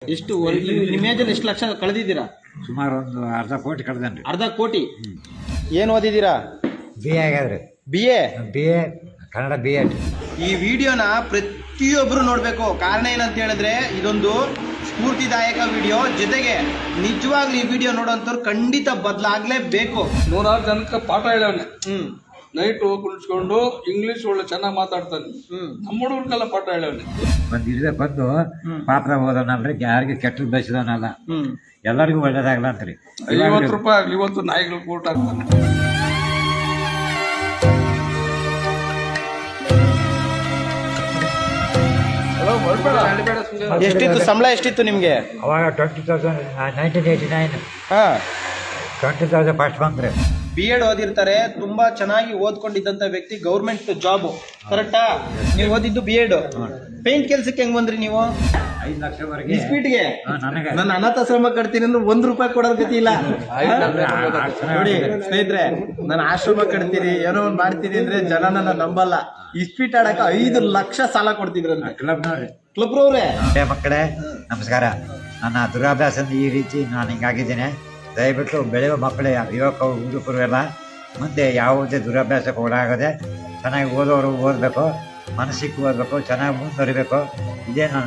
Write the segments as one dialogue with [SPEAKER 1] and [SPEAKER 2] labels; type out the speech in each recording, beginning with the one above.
[SPEAKER 1] ಎಷ್ಟು ನಿಮ್ಮ ಏಜಲ್ಲಿ ಎಷ್ಟು ಲಕ್ಷ ಕಳೆದಿದ್ದೀರಾ?
[SPEAKER 2] ಸುಮಾರು ಒಂದು ಅರ್ಧ ಕೋಟಿ ಕಳೆದನ್ರಿ.
[SPEAKER 1] ಅರ್ಧ ಕೋಟಿ. ಏನು ಓದಿದ್ದೀರಾ?
[SPEAKER 2] BA ಆಗ್ಯಾದ್ರಿ.
[SPEAKER 1] BA
[SPEAKER 2] Kannada BA.
[SPEAKER 1] ಈ ವಿಡಿಯೋನ ಪ್ರತಿಯೊಬ್ಬರು ನೋಡಬೇಕು. ಕಾರಣ ಏನಂತ ಹೇಳಿದ್ರೆ ಇದೊಂದು ಸ್ಫೂರ್ತಿದಾಯಕ ವಿಡಿಯೋ. ಜೊತೆಗೆ ನಿಜವಾಗ್ಲೂ ಈ ವಿಡಿಯೋ ನೋಡೋಂಥವ್ರು ಖಂಡಿತ ಬದಲಾಗ್ಲೇಬೇಕು.
[SPEAKER 3] 100 ಜನಕ್ಕೆ ಪಾಠ ಹೇಳವನೆ. ನೈಟು ಕುಳಿಸ್ಕೊಂಡು ಇಂಗ್ಲಿಷ್ ಒಳ್ಳೆ ಚೆನ್ನಾಗಿ ಮಾತಾಡ್ತಾನೆ. ನಮ್ಮ ಹುಡುಗರಿಗೆಲ್ಲ ಪಾಠ ಹೇಳವನೆ.
[SPEAKER 2] ಬಂದು ಪಾತ್ರ ಓದೋನಲ್ರಿ, ಯಾರಿಗೆ ಕೆಟ್ಟದ್ದು ಬಯಸಿದವನಲ್ಲ, ಎಲ್ಲರಿಗೂ ಒಳ್ಳೇದಾಗಲ್ಲ ಅಂತ್ರಿ.
[SPEAKER 3] 50 ರೂಪಾಯಿ ಆಗ್ಲಿ, ಇವತ್ತು ನಾಯಿಗಳು ಊಟ ಆಗ್ತಾನೆ.
[SPEAKER 1] ಎಷ್ಟಿತ್ತು ಸಂಬಳ? ಎಷ್ಟಿತ್ತು ನಿಮ್ಗೆ
[SPEAKER 2] ಅವಾಗ? 20,000 1989. 20,000 ಫಸ್ಟ್ ಬಂದ್ರಿ.
[SPEAKER 1] B.Ed ಓದಿರ್ತಾರೆ, ತುಂಬಾ ಚೆನ್ನಾಗಿ ಓದ್ಕೊಂಡಿದ್ದಂತ ವ್ಯಕ್ತಿ, ಗೌರ್ಮೆಂಟ್ ಜಾಬ್. ಕರೆಕ್ಟಾ? ನೀವು ಓದಿದ್ದು B.Ed. ಪೇಂಟ್ ಕೆಲ್ಸಕ್ಕೆ ಹೆಂಗ್ ಬಂದ್ರಿ ನೀವು?
[SPEAKER 2] 5 ಲಕ್ಷವರೆಗೆ
[SPEAKER 1] ಸ್ಪೀಡ್ಗೆ.
[SPEAKER 2] ನನಗೆ
[SPEAKER 1] ನಾನು ಅನಾಥಾಶ್ರಮ ಕಟ್ತೀನಿ ಅಂದ್ರೆ 1 ರೂಪಾಯಿ ಕೊಡೋರ್ ಗತಿ ಇಲ್ಲ. ನೋಡಿ ಸ್ನೇಹಿತರೆ, ನಾನು ಆಶ್ರಮ ಕಟ್ತೀನಿ, ಏನೋ ಒಂದ್ ಮಾಡ್ತೀನಿ ಅಂದ್ರೆ ಜನ ನನ್ನ ನಂಬಲ್ಲ. ಇಸ್ಪೀಟ್ ಆಡಕ 5 ಲಕ್ಷ ಸಾಲ ಕೊಡ್ತಿದ್ರಂತೆ ಕ್ಲಬ್ರವ್ರೆ.
[SPEAKER 2] ಮಕ್ಕಳೇ ನಮಸ್ಕಾರ. ನನ್ನ ದುರಾಭ್ಯಾಸದಿಂದ ಈ ರೀತಿ ನಾನು ಹಿಂಗಾಗಿದ್ದೇನೆ. ದಯವಿಟ್ಟು ಬೆಳೆಯುವ ಮಕ್ಕಳೇ, ಯುವಕ ಹುಡುಗರು ಎಲ್ಲ ಮುಂದೆ ಯಾವುದೇ ದುರಾಭ್ಯಾಸಕ್ಕೆ ಒಳಗಾಗದೆ ಚೆನ್ನಾಗಿ ಓದೋರು ಓದಬೇಕು, ಮನಸ್ಸಿಗೆ ಓದಬೇಕು, ಚೆನ್ನಾಗಿ ಮುಂದುವರಿಬೇಕು. ಇದೇ ನಾನು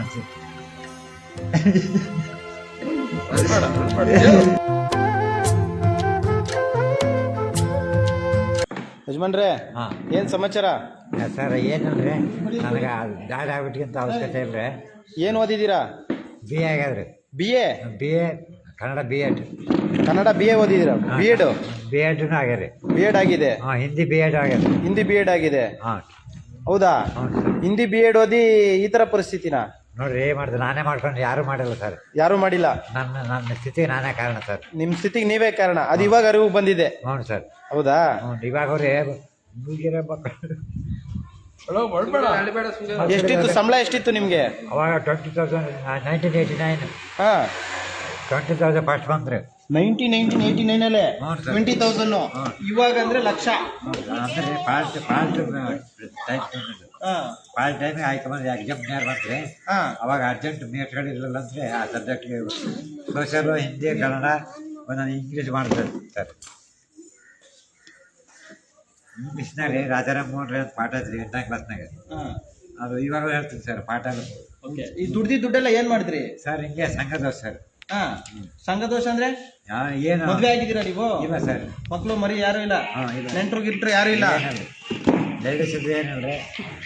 [SPEAKER 1] ಯಜಮಾನ್ರೆ, ಏನ್ ಸಮಾಚಾರ?
[SPEAKER 2] ಸರ್ ಏನಂದ್ರೆ ನನಗೆ ದಾಡಿ ಆಗ್ಬಿಟ್ಟಿಗಿಂತ ಅವಶ್ಯಕತೆ ಇಲ್ಲರಿ.
[SPEAKER 1] ಏನು ಓದಿದ್ದೀರಾ?
[SPEAKER 2] BA ಆಗ್ಯಾದ್ರಿ.
[SPEAKER 1] BA
[SPEAKER 2] Kannada B.Ed.
[SPEAKER 1] Kannada BA ಓದಿದ್ದೀರಾ?
[SPEAKER 2] B.Ed ಆಗ್ಯಾರಿ.
[SPEAKER 1] B.Ed ಆಗಿದೆ.
[SPEAKER 2] ಹಿಂದಿ B.Ed ಆಗ್ಯಾರಿ.
[SPEAKER 1] ಹಿಂದಿ B.Ed ಆಗಿದೆ. ಹೌದಾ? ಹಿಂದಿ B.Ed ಓದಿ ಈ ತರ ಪರಿಸ್ಥಿತಿನ
[SPEAKER 2] ನೋಡ್ರಿ. ಏನ್ ಮಾಡಿದೆ? ನಾನೇ ಮಾಡ್ಕೊಂಡು ಯಾರು ಮಾಡಿಲ್ಲ ಸರ್.
[SPEAKER 1] ಯಾರು ಮಾಡಿಲ್ಲ.
[SPEAKER 2] ನನ್ನ ಸ್ಥಿತಿಗೆ ನಾನೇ ಕಾರಣ ಸರ್.
[SPEAKER 1] ನಿಮ್ ಸ್ಥಿತಿಗೆ ನೀವೇ ಕಾರಣ. ಅದು ಇವಾಗ ಅರಿವು ಬಂದಿದೆ.
[SPEAKER 2] ಹ್ಞೂ ಸರ್.
[SPEAKER 1] ಹೌದಾ?
[SPEAKER 2] ಇವಾಗ ಅವ್ರೆ ಮುಗಿರೋ ಮಕ್ಕಳು.
[SPEAKER 1] ಎಷ್ಟಿತ್ತು ಸಂಬಳ? ಎಷ್ಟಿತ್ತು ನಿಮ್ಗೆ
[SPEAKER 2] ಅವಾಗ? 20,000 1989. 20,000 ಫಸ್ಟ್ ಬಂದ್ರಿ.
[SPEAKER 1] 1989 ಅಲ್ಲೇ 20,000. ಇವಾಗ ಅಂದ್ರೆ ಲಕ್ಷ.
[SPEAKER 2] ಅಂದ್ರೆ ಪಾಲ್ ಟೈಮ್ ಆಯ್ಕೊಂಡ್ಬಂದ್ರೆ ಎಕ್ಸಾಮ್ ನೇರ್ ಬಂದ್ರಿ. ಅವಾಗ ಅರ್ಜೆಂಟ್ ಮೇಟ್ಗಳಿರಲಿಲ್ಲ ಅಂದ್ರೆ ಆ ಸಬ್ಜೆಕ್ಟ್ಗೆ ಸೋಷಿಯಲ್, ಹಿಂದಿ, ಕನ್ನಡ, ಒಂದೊಂದು ಇಂಗ್ಲೀಷ್ ಮಾಡ್ತಾರೆ ಸರ್. ಇಂಗ್ಲೀಷ್ನಾಗ ರಾಜಾರಾಮ್ ಮೋಹನ್ ರೈ ಅಂತ ಪಾಠ ಐತ್ರಿ 8ನೇ ಕ್ಲಾಸ್ನಾಗ. ಅದು ಇವಾಗ ಹೇಳ್ತೀನಿ ಸರ್ ಪಾಠ.
[SPEAKER 1] ಈ ದುಡ್ಡೆಲ್ಲ ಏನ್ ಮಾಡಿದ್ರಿ
[SPEAKER 2] ಸರ್? ಹಿಂಗೆ ಸಂಘದೋಷ ಸರ್.
[SPEAKER 1] ಸಂಘದೋಷ ಅಂದ್ರೆ
[SPEAKER 2] ಏನು?
[SPEAKER 1] ಮದ್ವೆ ಆಗಿದ್ದೀರಾ ನೀವು?
[SPEAKER 2] ಇಲ್ಲ ಸರ್.
[SPEAKER 1] ಮಕ್ಳು ಮರಿ ಯಾರು ಇಲ್ಲ? ನೆಂಟ್ರು ಗಿಟ್ರು ಯಾರು ಇಲ್ಲ?
[SPEAKER 2] ಲೇಡೀಸ್ ಏನಲ್ರಿ,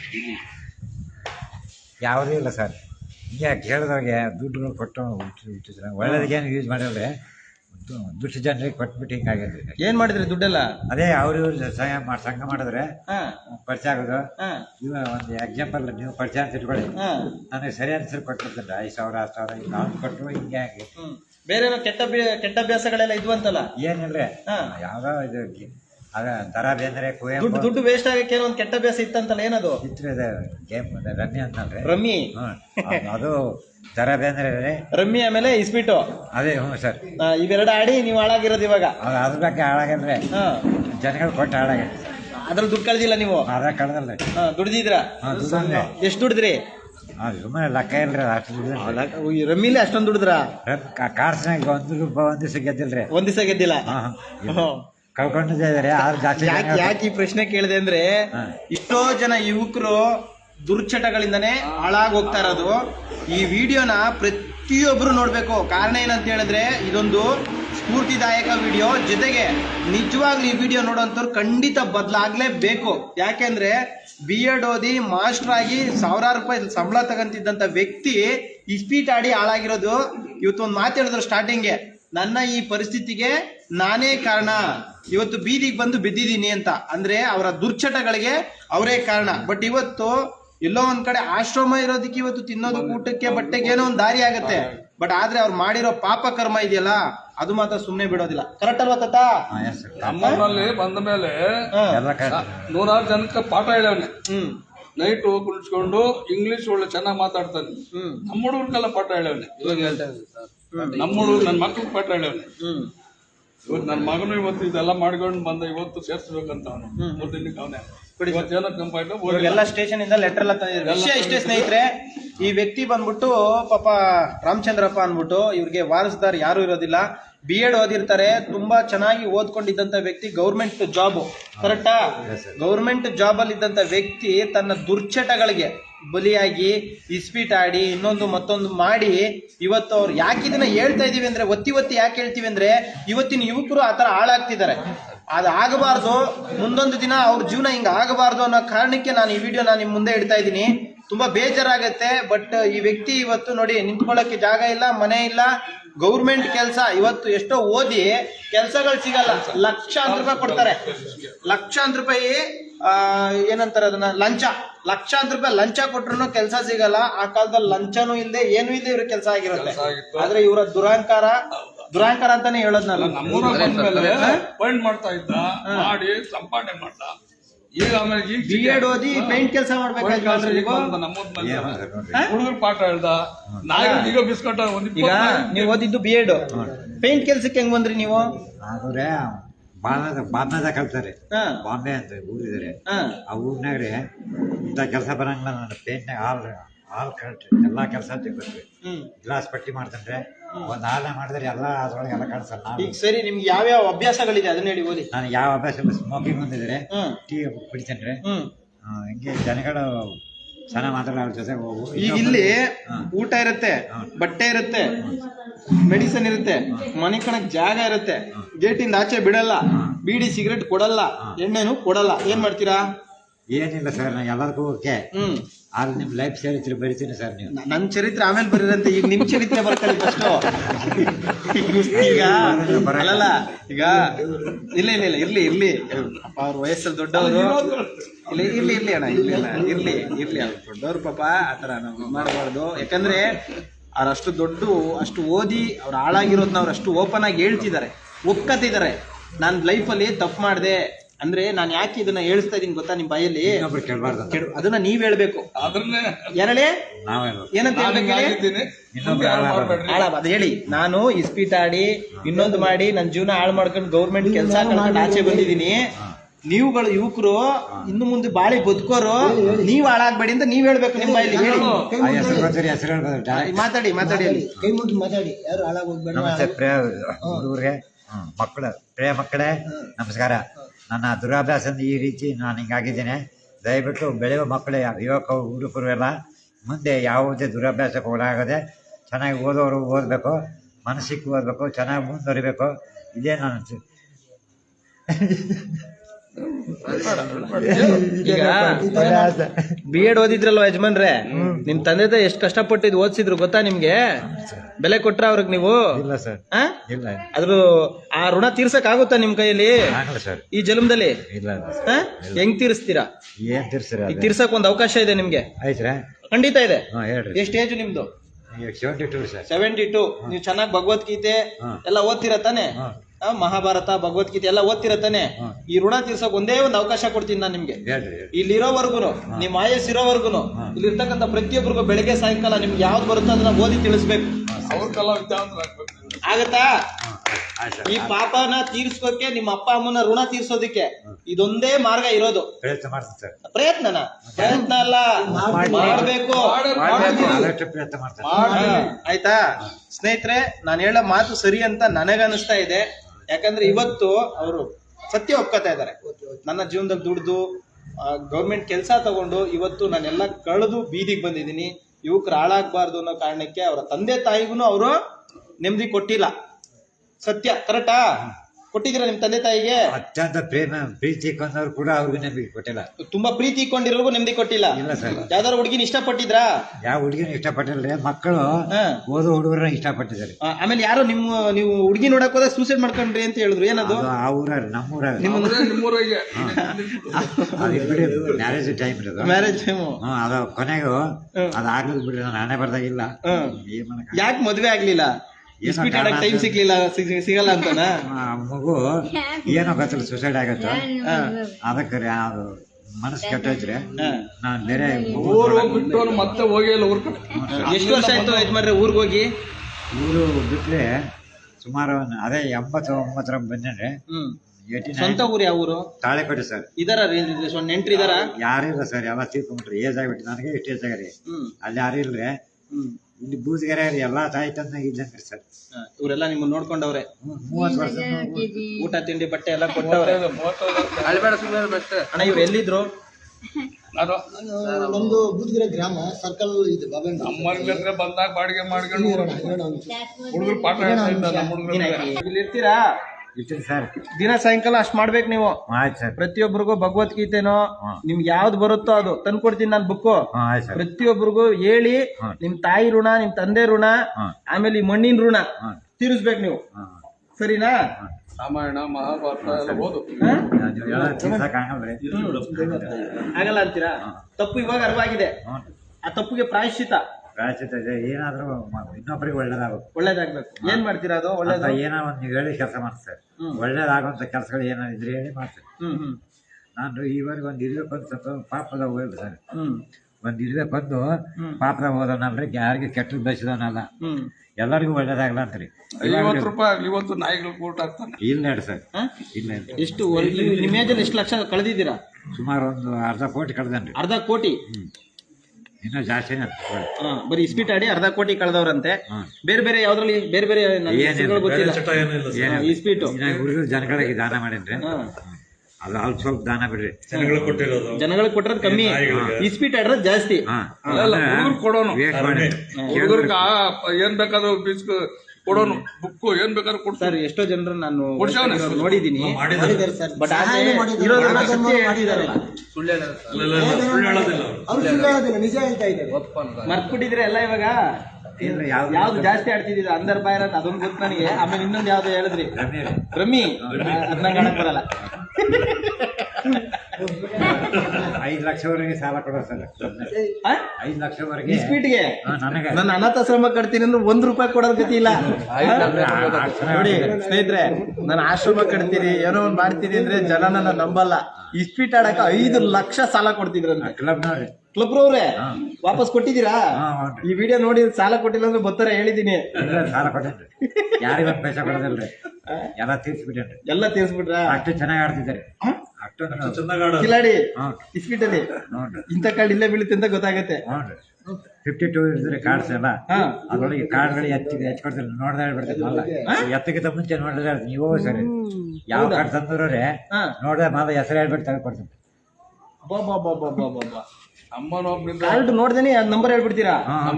[SPEAKER 2] ಯಾವುದೂ ಇಲ್ಲ ಸರ್. ಹಿಂಗೆ ಕೇಳಿದವ್ರಿಗೆ ದುಡ್ಡುಗಳು ಕೊಟ್ಟು ಹುಟ್ಟಿದ್ರೆ ಒಳ್ಳೇದಕ್ಕೇನು ಯೂಸ್ ಮಾಡಿದ್ರೆ ದುಡ್ಡು ಜನರಿಗೆ ಕೊಟ್ಬಿಟ್ಟು ಹಿಂಗಾಗಿದ್ರಿ.
[SPEAKER 1] ಏನ್ ಮಾಡಿದ್ರಿ ದುಡ್ಡೆಲ್ಲ?
[SPEAKER 2] ಅದೇ ಅವ್ರು ಸಂಘ ಮಾಡಿದ್ರೆ ಪರಿಚಯ ಆಗೋದು. ಇವ ಒಂದು ಎಕ್ಸಾಂಪಲ್, ನೀವು ಪರಿಚಯ ಅಂತ ಇಟ್ಕೊಳ್ಳಿ, ನನಗೆ ಸರಿ ಅನ್ಸರ್ ಕೊಟ್ಬಿಡ್ತಾರೆ 5,000 10,000 ನಾವು ಕೊಟ್ಟರು. ಹಿಂಗೆ ಆಗಿ
[SPEAKER 1] ಬೇರೆ ಕೆಟ್ಟ ಅಭ್ಯಾಸಗಳೆಲ್ಲ ಇದ್ವಂತಲ್ಲ?
[SPEAKER 2] ಏನಿಲ್ರಿ, ಯಾವ್ದೋ ಇದು ಅದ ದರ ಬೇಂದ್ರೆ ಕುವೆಂಪು.
[SPEAKER 1] ದುಡ್ಡು ವೇಸ್ಟ್ ಆಗಕ್ಕೆ ಏನೋ ಒಂದು ಕೆಟ್ಟ ಅಭ್ಯಾಸ ಇತ್ತಂತಲ್ಲ? ಏನದು?
[SPEAKER 2] ಇತ್ತು ಗೇಮ್ ರಮ್ಮಿ ಅಂತಲ್ರಿ.
[SPEAKER 1] ರಮ್ಮಿ?
[SPEAKER 2] ಅದು ದರ ಬೇಂದ್ರೆ
[SPEAKER 1] ರಮ್ಮಿ, ಆಮೇಲೆ ಇಸ್ಬಿಟ್ಟು.
[SPEAKER 2] ಅದೇ. ಹ್ಞೂ ಸರ್.
[SPEAKER 1] ಇವೆರಡು ಆಡಿ ನೀವು ಹಾಳಾಗಿರೋದು ಇವಾಗ.
[SPEAKER 2] ಅದ್ರ ಬಗ್ಗೆ ಹಾಳಾಗಲ್ರಿ, ಜನಗಳು ಕೊಟ್ಟು ಹಾಳಾಗ.
[SPEAKER 1] ಅದ್ರಲ್ಲಿ ದುಡ್ಡು ಕಳ್ದಿಲ್ಲ ನೀವು?
[SPEAKER 2] ಅದ ಕಳ್ದಲ್ರಿ.
[SPEAKER 1] ದುಡ್ದಿದ್ರ? ಎಷ್ಟು ದುಡಿದ್ರಿ?
[SPEAKER 2] ಸುಮ್ಮನೆ ಲೆಕ್ಕ ಇಲ್ರಿ, ಅಷ್ಟು ದುಡ್ಡು.
[SPEAKER 1] ರಮ್ಮಿಲಿ ಅಷ್ಟೊಂದು ದುಡಿದ್ರ?
[SPEAKER 2] ಕಾರ್ಸ್ನಾಗ ಒಂದ್ ದಿವಸ ಗೆದ್ದಿಲ್ರಿ.
[SPEAKER 1] ಒಂದ್ ದಿವಸ ಗೆದ್ದಿಲ್ಲ?
[SPEAKER 2] ಕಳ್ಕೊಂಡಿದ್ದಾರೆ.
[SPEAKER 1] ಯಾಕೆ ಈ ಪ್ರಶ್ನೆ ಕೇಳಿದೆ ಅಂದ್ರೆ, ಇಷ್ಟೋ ಜನ ಯುವಕರು ದುರ್ಚಟಗಳಿಂದನೇ ಹಾಳಾಗಿ ಹೋಗ್ತಾ ಇರೋದು. ಈ ವಿಡಿಯೋನ ಪ್ರತಿಯೊಬ್ಬರು ನೋಡ್ಬೇಕು. ಕಾರಣ ಏನಂತ ಹೇಳಿದ್ರೆ ಇದೊಂದು ಸ್ಫೂರ್ತಿದಾಯಕ ವಿಡಿಯೋ. ಜೊತೆಗೆ ನಿಜವಾಗ್ಲೂ ಈ ವಿಡಿಯೋ ನೋಡೋಂಥವ್ರು ಖಂಡಿತ ಬದಲಾಗ್ಲೇಬೇಕು. ಯಾಕೆಂದ್ರೆ B.Ed ಓದಿ ಮಾಸ್ಟರ್ ಆಗಿ 1,000 ರೂಪಾಯಿ ಸಂಬಳ ತಗೊಂತಿದ್ದಂತ ವ್ಯಕ್ತಿ ಇಸ್ಪೀಟ್ ಆಡಿ ಹಾಳಾಗಿರೋದು. ಇವತ್ತು ಒಂದು ಮಾತು ಹೇಳಿದ್ರು ಸ್ಟಾರ್ಟಿಂಗ್ಗೆ, ನನ್ನ ಈ ಪರಿಸ್ಥಿತಿಗೆ ನಾನೇ ಕಾರಣ, ಇವತ್ತು ಬೀದಿಗೆ ಬಂದು ಬಿದ್ದಿದ್ದೀನಿ ಅಂತ. ಅಂದ್ರೆ ಅವರ ದುರ್ಚಟಗಳಿಗೆ ಅವರೇ ಕಾರಣ. ಬಟ್ ಇವತ್ತು ಎಲ್ಲೋ ಒಂದ್ ಕಡೆ ಆಶ್ರಮ ಇರೋದಕ್ಕೆ ಇವತ್ತು ತಿನ್ನೋದು, ಊಟಕ್ಕೆ, ಬಟ್ಟೆಗೆ ಏನೋ ಒಂದು ದಾರಿ ಆಗತ್ತೆ. ಬಟ್ ಆದ್ರೆ ಅವ್ರು ಮಾಡಿರೋ ಪಾಪ ಕರ್ಮ ಇದೆಯಲ್ಲ, ಅದು ಮಾತ್ರ ಸುಮ್ನೆ ಬಿಡೋದಿಲ್ಲ. ಕರೆಕ್ಟ್ ಅಲ್ವಾ ತಾತ?
[SPEAKER 3] ನಮ್ಮೂರಲ್ಲಿ ಬಂದ ಮೇಲೆ 100 ಜನಕ್ಕೆ ಪಾಠ ಹೇಳವನೆ. ನೈಟು ಕುಳಿಸ್ಕೊಂಡು ಇಂಗ್ಲಿಷ್ ಒಳ್ಳೆ ಚೆನ್ನಾಗಿ ಮಾತಾಡ್ತಾನೆ. ನಮ್ಮ ಹುಡುಗರಿಗೆಲ್ಲ ಪಾಠ ಹೇಳವನೆ. ಇವಾಗ ಹೇಳ್ತಾ ಇದ್ದೀನಿ, ನಮ್ಮ ಹುಡುಗರು ನನ್ನ ಮಕ್ಳಿಗೆ ಪಾಠ ಹೇಳವನೆ. ಇವತ್ತು ನನ್ನ ಮಗನು ಇವತ್ತು ಇದೆಲ್ಲ ಮಾಡ್ಕೊಂಡು ಬಂದ, ಇವತ್ತು ಸೇರ್ಸ್ಬೇಕಂತ ಅವನು. 3 ದಿನಕ್ಕೆ ಅವನೇ
[SPEAKER 1] ಕೊಡಿ ಸರ್.
[SPEAKER 3] ಇವತ್ತೇನೋ ಕಂಪ್ಲೇಂಟ್
[SPEAKER 1] ಇವಾಗೆಲ್ಲ ಸ್ಟೇಷನ್ ಇಂದ ಲೆಟರ್ ಎಲ್ಲ ತಂದಿದ್ದಾರೆ. ವಿಷಯ ಇಷ್ಟೇ ಸ್ನೇಹಿತರೆ, ಈ ವ್ಯಕ್ತಿ ಬಂದ್ಬಿಟ್ಟು ಪಾಪ ರಾಮಚಂದ್ರಪ್ಪ ಅನ್ಬಿಟ್ಟು, ಇವ್ರಿಗೆ ವಾರಸ್ದಾರ್ ಯಾರು ಇರೋದಿಲ್ಲ, B.Ed ಓದಿರ್ತಾರೆ, ತುಂಬಾ ಚೆನ್ನಾಗಿ ಓದ್ಕೊಂಡಿದ್ದಂತ ವ್ಯಕ್ತಿ, ಗೌರ್ಮೆಂಟ್ ಜಾಬ್ ಕರೆಕ್ಟಾ, ಗೌರ್ಮೆಂಟ್ ಜಾಬ್ ಅಲ್ಲಿ ಇದ್ದಂತ ವ್ಯಕ್ತಿ ತನ್ನ ದುರ್ಚಟಗಳಿಗೆ ಬಲಿಯಾಗಿ ಇಸ್ಪೀಟ್ ಆಡಿ ಇನ್ನೊಂದು ಮತ್ತೊಂದು ಮಾಡಿ ಇವತ್ತು ಅವ್ರು ಯಾಕೆ ಇದನ್ನ ಹೇಳ್ತಾ ಇದೀವಿ ಅಂದ್ರೆ, ಒತ್ತಿ ಯಾಕೆ ಹೇಳ್ತೀವಿ ಅಂದ್ರೆ, ಇವತ್ತಿನ ಯುವಕರು ಆತರ ಹಾಳಾಗ್ತಿದ್ದಾರೆ. ಅದು ಆಗಬಾರ್ದು, ಮುಂದೊಂದು ದಿನ ಅವ್ರ ಜೀವನ ಹಿಂಗ ಆಗಬಾರ್ದು ಅನ್ನೋ ಕಾರಣಕ್ಕೆ ನಾನು ಈ ವಿಡಿಯೋ ನಿಮ್ ಮುಂದೆ ಇಡ್ತಾ ಇದ್ದೀನಿ. ತುಂಬಾ ಬೇಜಾರಾಗತ್ತೆ. ಬಟ್ ಈ ವ್ಯಕ್ತಿ ಇವತ್ತು ನೋಡಿ, ನಿಂತ್ಕೊಳ್ಳಕ್ಕೆ ಜಾಗ ಇಲ್ಲ, ಮನೆ ಇಲ್ಲ, ಗೌರ್ಮೆಂಟ್ ಕೆಲಸ, ಇವತ್ತು ಎಷ್ಟೋ ಓದಿ ಕೆಲಸಗಳು ಸಿಗಲ್ಲ, ಲಕ್ಷಾಂತರ ರೂಪಾಯಿ ಕೊಡ್ತಾರೆ, ಲಕ್ಷಾಂತರ ರೂಪಾಯಿ ಏನಂತಾರೆ ಅದನ್ನ, ಲಕ್ಷಾಂತರ ರೂಪಾಯಿ ಲಂಚ ಕೊಟ್ರು ಕೆಲಸ ಸಿಗಲ್ಲ. ಆ ಕಾಲದಲ್ಲಿ ಲಂಚನೂ ಇಲ್ಲದೆ ಏನೂ ಇಲ್ಲದೆ ಇವ್ರ ಕೆಲಸ ಆಗಿರುತ್ತೆ. ಆದ್ರೆ ಇವರ ದುರಾಂಕಾರ ಅಂತಾನೆ ಹೇಳೋದ್ ನಾನು.
[SPEAKER 3] ನಮ್ಮೂರ ಬಂದ್ಮೇಲೆ ಪಾಯಿಂಟ್ ಮಾಡ್ತಾ ಇದ್ದ, ಮಾಡಿ ಸಂಪಾದನೆ ಮಾಡ್ದ. ಈಗ ಆಮೇಲೆ ಈಗ
[SPEAKER 1] B.Ed ಓದಿ ಪೇಂಟ್ ಕೆಲಸ ಮಾಡ್ಬೇಕಾದ್ರೆ
[SPEAKER 3] ಹುಡುಗರು ಪಾಠ ಹೇಳ್ದ, ಈಗ ಬಿಸ್ಕಟ್
[SPEAKER 1] ಈಗ ನೀವು ಓದಿದ್ದು B.Ed, ಪೇಂಟ್ ಕೆಲ್ಸಕ್ಕೆ ಹೆಂಗ್ ಬಂದ್ರಿ ನೀವು?
[SPEAKER 2] ಆದ್ರೆ ಬಾಂಬೆದಾಗ ಕಲ್ತಾರೆ, ಬಾಂಬೆ ಅಂತ ಊರಿದ್ದಾರೆ. ಆ ಊರಿನಾಗ್ರಿ ಇಂಥ ಕೆಲಸ ಬರಂಗಿಲ್ಲ. ನಾನು ಪೇಂಟ್ನಾಗ ಹಾಲ್ ಕರೆಕ್ಟ್ ಎಲ್ಲಾ ಕೆಲಸ ತಿಳ್ಕೊತೀವಿ. ಗ್ಲಾಸ್ ಪಟ್ಟಿ ಮಾಡ್ತಂದ್ರೆ ಒಂದ್ ಹಾಲ ಮಾಡಿದ್ರೆ ಎಲ್ಲ ಅದ್ರೊಳಗೆ ಎಲ್ಲ ಕಾಣಿಸಲ್ಲ.
[SPEAKER 1] ಈಗ ಸರಿ, ನಿಮ್ಗೆ ಯಾವ್ಯಾವ ಅಭ್ಯಾಸಗಳಿದೆ ಅದನ್ನ ಹೇಳಿ ಓದಿ.
[SPEAKER 2] ನಾನು ಯಾವ ಅಭ್ಯಾಸ ಇಲ್ಲ, ಸ್ಮೋಕಿಂಗ್ ಬಂದಿದ್ರೆ ಟೀ ಕುಡಿತೇನ್ರಿ. ಹಿಂಗೆ ಜನಗಳು ಚೆನ್ನಾಗಿ ಮಾತಾಡೋ ಅವ್ರ ಜೊತೆ.
[SPEAKER 1] ಈಗ ಇಲ್ಲಿ ಊಟ ಇರುತ್ತೆ, ಬಟ್ಟೆ ಇರುತ್ತೆ, ಮೆಡಿಸಿನ್ ಇರುತ್ತೆ, ಮನೆ ಕಣಕ್ ಜಾಗ ಇರುತ್ತೆ, ಗೇಟಿಂದ ಆಚೆ ಬಿಡಲ್ಲ, ಬೀಡಿ ಸಿಗರೇಟ್ ಕೊಡಲ್ಲ, ಎಣ್ಣೆನು ಕೊಡಲ್ಲ. ಏನ್ ಮಾಡ್ತೀರಾ?
[SPEAKER 2] ಏನಿಲ್ಲ ಸರ್, ನಾನು ಎಲ್ಲದಕ್ಕೂ ಓಕೆ. ಆದ್ರೆ ನಿಮ್ ಲೈಫ್ ಚರಿತ್ರೆ ಬರಿತೀನಿ ಸರ್ ನೀವು.
[SPEAKER 1] ನನ್ ಚರಿತ್ರೆ ಆಮೇಲೆ ಬರೀರಂತೆ, ಈಗ ನಿಮ್ ಚರಿತ್ರೆ ಬರ್ತಾರೆ ಫಸ್ಟ್. ಈಗ ಅಲ್ಲಲ್ಲ, ಈಗ ಇಲ್ಲ ಇರ್ಲಿ ಅವ್ರ ವಯಸ್ಸಲ್ಲಿ ದೊಡ್ಡವರು, ಇರ್ಲಿ ಅಣ್ಣ, ಇರ್ಲಿ ಅವ್ರು ದೊಡ್ಡವ್ರು ಪಾಪ, ಆತರ ನಾವು ಮಾಡಬಾರ್ದು. ಯಾಕಂದ್ರೆ ಅವ್ರು ಅಷ್ಟು ಓದಿ ಅವ್ರು ಹಾಳಾಗಿರೋದನ್ನ ಅವ್ರು ಅಷ್ಟು ಓಪನ್ ಆಗಿ ಹೇಳ್ತಿದ್ದಾರೆ, ಒಪ್ಕತಿದ್ದಾರೆ. ನಾನು ಲೈಫಲ್ಲಿ ತಪ್ಪು ಮಾಡಿದೆ ಅಂದ್ರೆ ನಾನು ಯಾಕೆ ಇದನ್ನ ಹೇಳಿಸ್ತಾ ಇದೀನಿ ಗೊತ್ತಾ? ನಿಮ್ ಬಾಯಲ್ಲಿ ಅದನ್ನ ನೀವ್ ಹೇಳ್ಬೇಕು. ಏನಳೆ ಏನಂತ ಅದು ಹೇಳಿ, ನಾನು ಇಸ್ಪೀಟ್ ಆಡಿ ಇನ್ನೊಂದು ಮಾಡಿ ನನ್ನ ಜೀವನ ಹಾಳು ಮಾಡ್ಕೊಂಡು ಗೌರ್ಮೆಂಟ್ ಕೆಲಸ ಕಳ್ಕೊಂಡು ಆಚೆ ಬಂದಿದ್ದೀನಿ. ನೀವುಗಳು ಯುವಕರು ಇನ್ನು ಮುಂದೆ ಬಾಳಿ ಬದುಕೋರು, ನೀವ್ ಹಾಳಾಗ್ಬೇಡಿ ಅಂತ ನೀವ್ ಹೇಳ್ಬೇಕು. ನಿಮ್ ಬಾಯಲ್ಲಿ ಹೇಳಿ, ಮಾತಾಡಿ ಕೈ ಮುಗಿ ಮಾತಾಡಿ, ಯಾರು
[SPEAKER 2] ಹುಡುಗರಿಗೆ ಮಕ್ಕಳೇ ನಮಸ್ಕಾರ. ನನ್ನ ದುರಾಭ್ಯಾಸದಿಂದ ಈ ರೀತಿ ನಾನು ಹಿಂಗಾಗಿದ್ದೇನೆ. ದಯವಿಟ್ಟು ಬೆಳೆಯುವ ಮಕ್ಕಳೇ, ಯುವಕ ಹುಡುಗರು ಎಲ್ಲ ಮುಂದೆ ಯಾವುದೇ ದುರಾಭ್ಯಾಸಕ್ಕೆ ಒಳಗಾಗದೆ ಚೆನ್ನಾಗಿ ಓದೋರು ಓದಬೇಕು, ಮನಸ್ಸಿಗೆ ಓದಬೇಕು, ಚೆನ್ನಾಗಿ ಮುಂದುವರಿಬೇಕು. ಇದೇ ನಾನು
[SPEAKER 1] ಈಗ B.Ed ಓದಿದ್ರಲ್ವ ಯಜಮಾನ್ರೆ, ನಿಮ್ ತಂದೆ ತಾಯಿ ಎಷ್ಟು ಕಷ್ಟಪಟ್ಟಿದ್ ಓದಿಸಿದ್ರು ಗೊತ್ತಾ? ನಿಮ್ಗೆ ಬೆಲೆ ಕೊಟ್ರ ಅವ್ರಿಗೆ ನೀವು?
[SPEAKER 2] ಇಲ್ಲ ಸರ್, ಇಲ್ಲ.
[SPEAKER 1] ಅದ್ರ ಆ ಋಣ ತೀರ್ಸಕ್ ಆಗುತ್ತಾ ನಿಮ್ ಕೈಯಲ್ಲಿ ಈ ಜನ್ಮದಲ್ಲಿ? ಹೆಂಗ್ ತೀರಿಸ್ತೀರಾ?
[SPEAKER 2] ಏನ್ ತೀರ್ಸ್ತೀರಾ?
[SPEAKER 1] ಈಗ ತೀರ್ಸಕ್ ಒಂದ್ ಅವಕಾಶ ಇದೆ ನಿಮ್ಗೆ.
[SPEAKER 2] ಆಯ್ತಾ?
[SPEAKER 1] ಖಂಡಿತ ಇದೆ.
[SPEAKER 2] ಹೇಳ್ರಿ.
[SPEAKER 1] ಎಷ್ಟು ಏಜ್ ನಿಮ್ದು?
[SPEAKER 2] 72 ಸರ್.
[SPEAKER 1] 72. ನೀವು ಚೆನ್ನಾಗಿ ಭಗವದ್ಗೀತೆ ಎಲ್ಲ ಓದ್ತಿರ ತಾನೆ? ಮಹಾಭಾರತ, ಭಗವದ್ಗೀತೆ ಎಲ್ಲ ಓದ್ತಿರ ತಾನೆ? ಈ ಋಣ ತೀರ್ಸಕ್ ಒಂದೇ ಒಂದು ಅವಕಾಶ ಕೊಡ್ತೀನಿ ನಾನು ನಿಮ್ಗೆ. ಇಲ್ಲಿರೋವರ್ಗುನು, ನಿಮ್ ಆಯಸ್ಸಿರೋವರ್ಗುನು, ಇಲ್ಲಿರ್ತಕ್ಕಂಥ ಪ್ರತಿಯೊಬ್ಬರಿಗೂ ಬೆಳಗ್ಗೆ ಸಾಯಂಕಾಲ ನಿಮ್ಗೆ ಯಾವ್ದು ಬರುತ್ತೋ ಅದನ್ನ ಓದಿ ತಿಳಿಸ್ಬೇಕು. ಆಗತ್ತಾ? ಈ ಪಾಪನ ತೀರ್ಸ್ಕೋಕೆ, ನಿಮ್ಮ ಅಪ್ಪ ಅಮ್ಮನ ಋಣ ತೀರ್ಸೋದಿಕ್ಕೆ ಇದೊಂದೇ ಮಾರ್ಗ ಇರೋದು. ಪ್ರಯತ್ನ ಅಲ್ಲ, ಮಾಡ್ಬೇಕು. ಆಯ್ತಾ ಸ್ನೇಹಿತರೆ, ನಾನು ಹೇಳೋ ಮಾತು ಸರಿ ಅಂತ ನನಗನ್ನಿಸ್ತಾ ಇದೆ. ಯಾಕಂದ್ರೆ ಇವತ್ತು ಅವರು ಸತ್ಯ ಒಪ್ಕೋತಾ ಇದ್ದಾರೆ. ನನ್ನ ಜೀವನದಲ್ಲಿ ದುಡ್ದು ಗೌರ್ಮೆಂಟ್ ಕೆಲಸ ತಗೊಂಡು ಇವತ್ತು ನಾನೆಲ್ಲ ಕಳೆದು ಬೀದಿಗೆ ಬಂದಿದ್ದೀನಿ. ಯುವಕರು ಹಾಳಾಗಬಾರ್ದು ಅನ್ನೋ ಕಾರಣಕ್ಕೆ ಅವರ ತಂದೆ ತಾಯಿಗೂ ಅವರು ನೆಮ್ಮದಿ ಕೊಟ್ಟಿಲ್ಲ. ಸತ್ಯ, ಕರೆಕ್ಟಾ? ಕೊಟ್ಟಿದ್ದೀರಾ ನಿಮ್ ತಂದೆ ತಾಯಿಗೆ?
[SPEAKER 2] ಅತ್ಯಂತ ಪ್ರೀತಿ ಇಟ್ಕೊಂಡವ್ರು ಕೂಡ ಅವ್ರಿಗೆ ನೆಮ್ಮದಿ ಕೊಟ್ಟಿಲ್ಲ.
[SPEAKER 1] ತುಂಬಾ ಪ್ರೀತಿ ಇಟ್ಕೊಂಡಿರೋರ್ಗು ನೆಮ್ಮದಿ ಕೊಟ್ಟಿಲ್ಲ.
[SPEAKER 2] ಇಲ್ಲ ಸರ್.
[SPEAKER 1] ಯಾವ್ದಾರು ಹುಡುಗಿನ ಇಷ್ಟಪಟ್ಟಿದ್ರಾ?
[SPEAKER 2] ಯಾವ ಹುಡುಗಿನ ಇಷ್ಟಪಟ್ಟಿಲ್ಲ. ಮಕ್ಕಳು ಓದೋ ಹುಡುಗರನ್ನ ಇಷ್ಟಪಟ್ಟಿದ್ದಾರೆ.
[SPEAKER 1] ಆಮೇಲೆ ಯಾರೋ ನೀವು ಹುಡುಗಿ ನೋಡಕ್ ಹೋದಾಗ ಸೂಸೈಡ್ ಮಾಡ್ಕೊಂಡ್ರಿ ಅಂತ ಹೇಳಿದ್ರು. ಏನದು?
[SPEAKER 2] ಆ ಊರ ನಮ್ಮೂರ ಮ್ಯಾರೇಜ್ ಟೈಮ್ ಇರೋದು.
[SPEAKER 1] ಮ್ಯಾರೇಜ್ ಟೈಮ್
[SPEAKER 2] ಅದ ಕೊನೆಗೂ ಅದಾಗ್ಲಿಲ್ಲ ಬಿಡ್ರಿ. ನಾನು ಹಣೆ ಬರ್ದಾಗಿಲ್ಲ.
[SPEAKER 1] ಯಾಕೆ ಮದ್ವೆ ಆಗ್ಲಿಲ್ಲ? ಟೈಮ್ ಸಿಗಲ್ಲ ಅಂತನಾ?
[SPEAKER 2] ಮಗು ಏನೋ ಗೊತ್ತಿಲ್ಲ, ಸೂಸೈಡ್ ಆಗತ್ತ. ಅದಕ್ಕೆ ಅದು ಮನಸ್ಸು ಕೆಟ್ಟೋಯ್ತ್ರಿ. ನಾನು ಬೇರೆ
[SPEAKER 3] ಮತ್ತೆ ಹೋಗಿಲ್ಲ.
[SPEAKER 1] ಎಷ್ಟು ವರ್ಷ ಆಯ್ತು ಯಜಮಾನ್ರೆ ಊರ್ಗ್ ಹೋಗಿ?
[SPEAKER 2] ಊರು ಬಿಟ್ರೆ ಸುಮಾರು ಅದೇ 89 ಬಂದ್ರೆ
[SPEAKER 1] ಸ್ವಂತ ಊರು ಯಾವ ಊರು?
[SPEAKER 2] ತಾಳೆಕೋಟೆ ಸರ್.
[SPEAKER 1] ಇದಾರ ನೆಂಟ್ರು ಇದಾರ?
[SPEAKER 2] ಯಾರು ಇಲ್ಲ ಸರ್, ಎಲ್ಲ ತೀರ್ಕೊಂಡ್ಬಿಟ್ರಿ. ಏಜ್ ಆಗ್ಬಿಟ್ಟು ನನಗೆ ಇಷ್ಟು ಏಜ್ ಆಗ್ರಿ. ಅಲ್ಲಿ ಯಾರು ಇಲ್ರಿ. ಇಲ್ಲಿ ಬೂದಿಗೆರೆ ಎಲ್ಲ ತಾಯಿ ತಂದಾಗ ಇದ್ದಂಗ್ರಿ ಸರ್.
[SPEAKER 1] ಇವರೆಲ್ಲ ನಿಮ್ಮನ್ನ ನೋಡ್ಕೊಂಡವ್ರೆ.
[SPEAKER 2] 30 ವರ್ಷ
[SPEAKER 1] ಊಟ ತಿಂಡಿ ಬಟ್ಟೆ ಎಲ್ಲ ಕೊಟ್ಟವ್ರೆ. ಅಣ್ಣ ಇವ್ರು ಎಲ್ಲಿದ್ರು?
[SPEAKER 4] ನಮ್ದು ಬೂದಿಗೆರೆ ಗ್ರಾಮ ಸರ್ಕಲ್ ಇದು
[SPEAKER 3] ನಮ್ಮಲ್ಲಿ ಬಂದಾಗ ಬಾಡಿಗೆ ಮಾಡ್ಕೊಂಡು ಹುಡುಗರು ಪಾಠ ಹೇಳ್ತಾ ಇದ್ದ ನಮ್ಮ ಹುಡುಗರು.
[SPEAKER 1] ಇಲ್ಲಿ ಇರ್ತೀರಾ?
[SPEAKER 2] ಇರ್ತೀನಿ ಸರ್.
[SPEAKER 1] ದಿನ ಸಾಯಂಕಾಲ ಅಷ್ಟ್ ಮಾಡ್ಬೇಕು ನೀವು.
[SPEAKER 2] ಆಯ್ತು ಸರ್.
[SPEAKER 1] ಪ್ರತಿಯೊಬ್ಬರಿಗೂ ಭಗವದ್ಗೀತೆನೋ ನಿಮ್ಗೆ ಯಾವ್ದು ಬರುತ್ತೋ ಅದು ತಂದ್ಕೊಡ್ತೀನಿ ನಾನು ಬುಕ್ಕು.
[SPEAKER 2] ಆಯ್ತು ಸರ್.
[SPEAKER 1] ಪ್ರತಿಯೊಬ್ಬರಿಗೂ ಹೇಳಿ ನಿಮ್ ತಾಯಿ ಋಣ, ನಿಮ್ ತಂದೆ ಋಣ, ಆಮೇಲೆ ಈ ಮಣ್ಣಿನ ಋಣ ತೀರಿಸ್ಬೇಕು ನೀವು. ಸರಿನಾ?
[SPEAKER 3] ರಾಮಾಯಣ ಮಹಾಭಾರತ ಎಲ್ಲ ಓದು.
[SPEAKER 1] ಆಗಲ್ಲ ಅಂತೀರಾ? ತಪ್ಪು ಇವಾಗ ಅರಿವಾಗಿದೆ. ಆ ತಪ್ಪಿಗೆ ಪ್ರಾಯಶ್ಚಿತ್ತ
[SPEAKER 2] ಏನಾದ್ರೂ ಇನ್ನೊಬ್ಬರಿಗೆ ಒಳ್ಳೇದಾಗಬೇಕು.
[SPEAKER 1] ಒಳ್ಳೇದಾಗ್ಬೇಕು. ಏನ್ ಮಾಡ್ತೀರಾ ಅದು ಒಳ್ಳೇದ?
[SPEAKER 2] ಏನೋ ಒಂದು ನೀವು ಹೇಳಿ ಕೆಲಸ ಮಾಡ್ತಾರೆ. ಒಳ್ಳೇದಾಗುವಂತ ಕೆಲಸಗಳು ಏನಾದ್ರು ಹೇಳಿ ಮಾಡ್ತಾರೆ. ನಾನು ಈವರೆಗೆ ಒಂದು ಇರ್ಬೇಕು ಸ್ವಲ್ಪ ಪಾಪದ ಹೋಗ್ಬೇಕು ಸರ್. ಒಂದ್ ಇರ್ಬೇಕೊಂದು ಪಾಪದ ಹೋದವನಲ್ರಿ, ಯಾರಿಗೆ ಕೆಟ್ಟದ್ದು ಬಯಸಿದವನಲ್ಲ. ಎಲ್ಲರಿಗೂ ಒಳ್ಳೇದಾಗಲ್ಲ ಅಂತ್ರಿ.
[SPEAKER 3] 50 ರೂಪಾಯಿ ಇವತ್ತು ನಾಯಿಗಳು ಊಟ ಆಗ್ತಾನೆ.
[SPEAKER 2] ಇಲ್ಲ ನೋಡಿ ಸರ್, ಇಲ್ಲ.
[SPEAKER 1] ಎಷ್ಟು ನಿಮ್ಮ ಏಜಲ್ಲಿ ಎಷ್ಟು ಲಕ್ಷ ಕಳೆದಿದ್ದೀರಾ?
[SPEAKER 2] ಸುಮಾರು ಒಂದು 1/2 ಕೋಟಿ ಕಳೆದನ್ರಿ.
[SPEAKER 1] 1/2 ಕೋಟಿ?
[SPEAKER 2] ಇನ್ನೂ ಜಾಸ್ತಿನೇ.
[SPEAKER 1] ಬರೀ ಇಸ್ಪೀಟ್ ಆಡಿ 1/2 ಕೋಟಿ ಕಳೆದವ್ರಂತೆ. ಬೇರೆ ಬೇರೆ ಯಾವ್ದ್ರಲ್ಲಿ ಬೇರೆ ಬೇರೆ ಗೊತ್ತಿಲ್ಲ. ಇಸ್ಪೀಟು
[SPEAKER 2] ಹುಡುಗರು ಜನಗಳಿಗೆ ದಾನ ಮಾಡೇನ್ರಿ. ಅದು ಅಲ್ಲಿ ಸ್ವಲ್ಪ ದಾನ ಬಿಡ್ರಿ.
[SPEAKER 1] ಜನಗಳಿಗೆ ಕೊಟ್ಟಿರೋದು ಕಮ್ಮಿ, ಇಸ್ಪೀಟ್ ಆಡಿರೋದು ಜಾಸ್ತಿ.
[SPEAKER 3] ಹುಡುಗರು ಕೊಡೋನು, ಹುಡುಗರಿಗೆ ಏನ್ ಬೇಕಾದ್ರೂ ಬೀಸ್ ಕೊಡೋನು, ಬುಕ್ ಏನ್ ಬೇಕಾದ್ರೂ ಕೊಡ್ತಾರೆ.
[SPEAKER 1] ಎಷ್ಟೋ ಜನರು ನಾನು ನೋಡಿದೀನಿ. ಬಟ್
[SPEAKER 4] ನಿಜ ಹೇಳ್ತಾ ಇದ್ದಾರೆ.
[SPEAKER 1] ಮರ್ತ್ಬಿಟ್ಟಿದ್ರೆ ಎಲ್ಲ ಇವಾಗ. ಯಾವ್ದು ಜಾಸ್ತಿ ಆಡ್ತಿದ್ದೀರಾ? ಅಂದರ್ ಬಾಯರ್ ಅಂತ ಅದೊಂದು ಗೊತ್ತು ನನಗೆ. ಆಮೇಲೆ ಇನ್ನೊಂದು ಯಾವ್ದು ಹೇಳಿದ್ರಿ? ರಮ್ಮಿ. ಅದನ್ನ ಕಾಣಕ್ ಬರಲ್ಲ.
[SPEAKER 2] 5 ಲಕ್ಷವರೆಗೆ ಸಾಲ ಕೊಡೋ ಸರ್. 5 ಲಕ್ಷವರೆಗೆ
[SPEAKER 1] ಇಸ್ಪೀಟ್ಗೆ ನನ್ನ ಅನಾಥಾಶ್ರಮ ಕಟ್ತೀನಿ ಅಂದ್ರೆ 1 ರೂಪಾಯಿ ಕೊಡೋದ್ ಗತಿ ಇಲ್ಲ. ನೋಡಿ ಸ್ನೇಹಿತರೆ, ನಾನು ಆಶ್ರಮ ಕಟ್ತೀನಿ ಏನೋ ಒಂದ್ ಮಾಡ್ತೀನಿ ಅಂದ್ರೆ ಜನ ನನ್ನ ನಂಬಲ್ಲ. ಇಸ್ಪೀಟ್ ಆಡಕ 5 ಲಕ್ಷ ಸಾಲ ಕೊಡ್ತಿದ್ರಂತೆ ಕ್ಲಬ್ರವ್ರೆ. ವಾಪಸ್ ಕೊಟ್ಟಿದ್ದೀರಾ? ಈ ವಿಡಿಯೋ ನೋಡಿ ಸಾಲ ಕೊಟ್ಟಿಲ್ಲ ಅಂದ್ರೆ ಬರ್ತಾರೆ ಹೇಳಿದೀನಿ.
[SPEAKER 2] ಸಾಲ ಕೊಟ್ಟಿದ್ರಿ, ಯಾರಿಗೊಂದು ಪೈಸಾ ಕೊಡೋದಿಲ್ರಿ. ಎಲ್ಲ ತೀರ್ಸ್ಬಿಟ್ರಿ.
[SPEAKER 1] ಎಲ್ಲ ತೀರ್ಸ್ಬಿಟ್ರ?
[SPEAKER 2] ಅಷ್ಟು ಚೆನ್ನಾಗಿ ಆಡ್ತಿದ್ದಾರೆ.
[SPEAKER 1] ಕಿಲಾಡಿ ಇಸ್ಪೀಟ್ ಅಲ್ಲಿ ಇಂಥ ಕಾರ್ಡ್ ಇಲ್ಲೇ ಬೀಳುತ್ತೆ ಅಂತ ಗೊತ್ತಾಗತ್ತೆ.
[SPEAKER 2] 52 ಇದ್ರೆ ಕಾರ್ಡ್ಸ್ ಎಲ್ಲ ಅದ್ರೊಳಗೆ ಕಾರ್ಡ್ಗಳಿಗೆ ಹಚ್ಕೊಡ್ತಾರೆ. ನೋಡ್ದೆ ಹೇಳ್ಬಿಡ್ತಾರೆ. ಎತ್ತಕ್ಕಿಂತ ಮುಂಚೆ ನೋಡಿದ್ರೆ ನೀವು ಸರಿ ಯಾವ ಕಾರ್ಡ್ ತಂದ್ರೆ ನೋಡ್ದೆ ಮಾದ ಹೆಸರು ಹೇಳ್ಬಿಟ್ಟು ತಗೊಡ್ತೀನಿ.
[SPEAKER 1] Card ನೋಡ್ದೇನೆ number ಹೇಳ್ಬಿಡ್ತೀರಾ?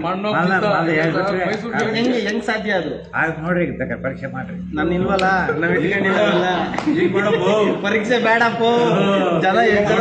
[SPEAKER 1] ಹೆಂಗ್ ಸಾಧ್ಯ ಅದು?
[SPEAKER 2] ನೋಡ್ರಿ ಬೇಕಾದ್ರೆ ಪರೀಕ್ಷೆ ಮಾಡ್ರಿ.
[SPEAKER 1] ನಾನು ಇಲ್ವಲ್ಲ, ನಾವ್ ಇಟ್ಕೊಂಡಿಲ್ಲ. ಪರೀಕ್ಷೆ ಬೇಡಪ್ಪ, ಜನ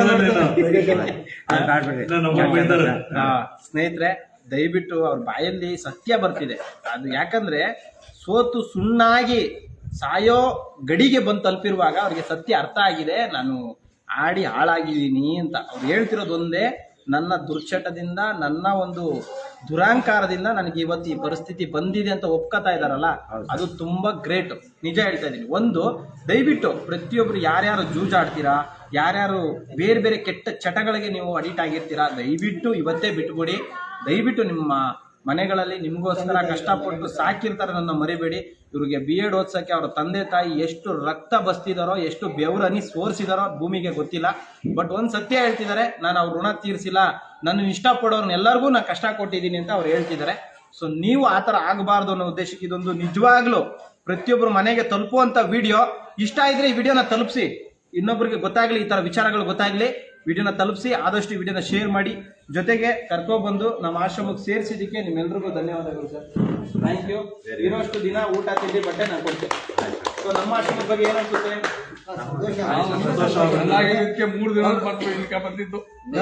[SPEAKER 1] ಸ್ನೇಹಿತರೆ ದಯವಿಟ್ಟು ಅವ್ರ ಬಾಯಲ್ಲಿ ಸತ್ಯ ಬರ್ತಿದೆ. ಅದು ಯಾಕಂದ್ರೆ ಸೋತು ಸುಣ್ಣಾಗಿ ಸಾಯೋ ಗಡಿಗೆ ಬಂದು ತಲುಪಿರುವಾಗ ಅವ್ರಿಗೆ ಸತ್ಯ ಅರ್ಥ ಆಗಿದೆ. ನಾನು ಆಡಿ ಹಾಳಾಗಿದ್ದೀನಿ ಅಂತ ಅವ್ರು ಹೇಳ್ತಿರೋದು ಒಂದೇ, ನನ್ನ ದುರ್ಚಟದಿಂದ, ನನ್ನ ಒಂದು ದುರಾಂಕಾರದಿಂದ ನನಗೆ ಇವತ್ತು ಈ ಪರಿಸ್ಥಿತಿ ಬಂದಿದೆ ಅಂತ ಒಪ್ಕೋತಾ ಇದಾರಲ್ಲ, ಅದು ತುಂಬಾ ಗ್ರೇಟ್. ನಿಜ ಹೇಳ್ತಾ ಇದ್ದೀನಿ. ಒಂದು, ದಯವಿಟ್ಟು ಪ್ರತಿಯೊಬ್ರು ಯಾರ್ಯಾರು ಜೂಜಾಡ್ತೀರಾ, ಯಾರ್ಯಾರು ಬೇರೆ ಬೇರೆ ಕೆಟ್ಟ ಚಟಗಳಿಗೆ ನೀವು ಅಡಿಕ್ಟ್ ಆಗಿರ್ತೀರಾ, ದಯವಿಟ್ಟು ಇವತ್ತೇ ಬಿಟ್ಬಿಡಿ. ದಯವಿಟ್ಟು ನಿಮ್ಮ ಮನೆಗಳಲ್ಲಿ ನಿಮಗೋಸ್ಕರ ಕಷ್ಟಪಟ್ಟು ಸಾಕಿರ್ತಾರೆ, ನನ್ನ ಮರಿಬೇಡಿ. ಇವ್ರಿಗೆ BEd ಓದ್ಸೋಕ್ಕೆ ಅವ್ರ ತಂದೆ ತಾಯಿ ಎಷ್ಟು ರಕ್ತ ಬಸ್ತಿದಾರೋ, ಎಷ್ಟು ಬೆವರನಿ ಸೋರಿಸಿದಾರೋ ಭೂಮಿಗೆ ಗೊತ್ತಿಲ್ಲ. ಬಟ್ ಒಂದು ಸತ್ಯ ಹೇಳ್ತಿದ್ದಾರೆ, ನಾನು ಅವ್ರ ಋಣ ತೀರಿಸಿಲ್ಲ, ನನ್ನ ಇಷ್ಟಪಡೋರ್ನೆಲ್ಲರಿಗೂ ನಾನು ಕಷ್ಟ ಕೊಟ್ಟಿದ್ದೀನಿ ಅಂತ ಅವ್ರು ಹೇಳ್ತಿದ್ದಾರೆ. ಸೊ ನೀವು ಆ ಥರ ಆಗಬಾರ್ದು ಅನ್ನೋ ಉದ್ದೇಶಕ್ಕೆ ಇದೊಂದು ನಿಜವಾಗ್ಲೂ ಪ್ರತಿಯೊಬ್ಬರು ಮನೆಗೆ ತಲುಪುವಂಥ ವಿಡಿಯೋ. ಇಷ್ಟ ಇದ್ರೆ ಈ ವಿಡಿಯೋನ ತಲುಪಿಸಿ, ಇನ್ನೊಬ್ಬರಿಗೆ ಗೊತ್ತಾಗ್ಲಿ, ಈ ಥರ ವಿಚಾರಗಳು ಗೊತ್ತಾಗ್ಲಿ. ವಿಡಿಯೋನ ತಲುಪಿಸಿ, ಆದಷ್ಟು ವಿಡಿಯೋನ ಶೇರ್ ಮಾಡಿ. ಜೊತೆಗೆ ಕರ್ಕೊಬಂದು ನಮ್ಮ ಆಶ್ರಮಕ್ಕೆ ಸೇರಿಸಿದ್ದಕ್ಕೆ ನಿಮ್ಮೆಲ್ರಿಗೂ ಧನ್ಯವಾದಗಳು ಸರ್. Thank you. ಇರೋಷ್ಟು ದಿನ ಊಟ ತಿಂಡಿ ಬಟ್ಟೆ ನಾನು ಕೊಡ್ತೇನೆ. ಸೊ ನಮ್ಮ ಆಶ್ರಮದ ಬಗ್ಗೆ ಏನಿಸುತ್ತೆ?
[SPEAKER 3] ಇದಕ್ಕೆ 3 ದಿನ ಬಂದಿದ್ದು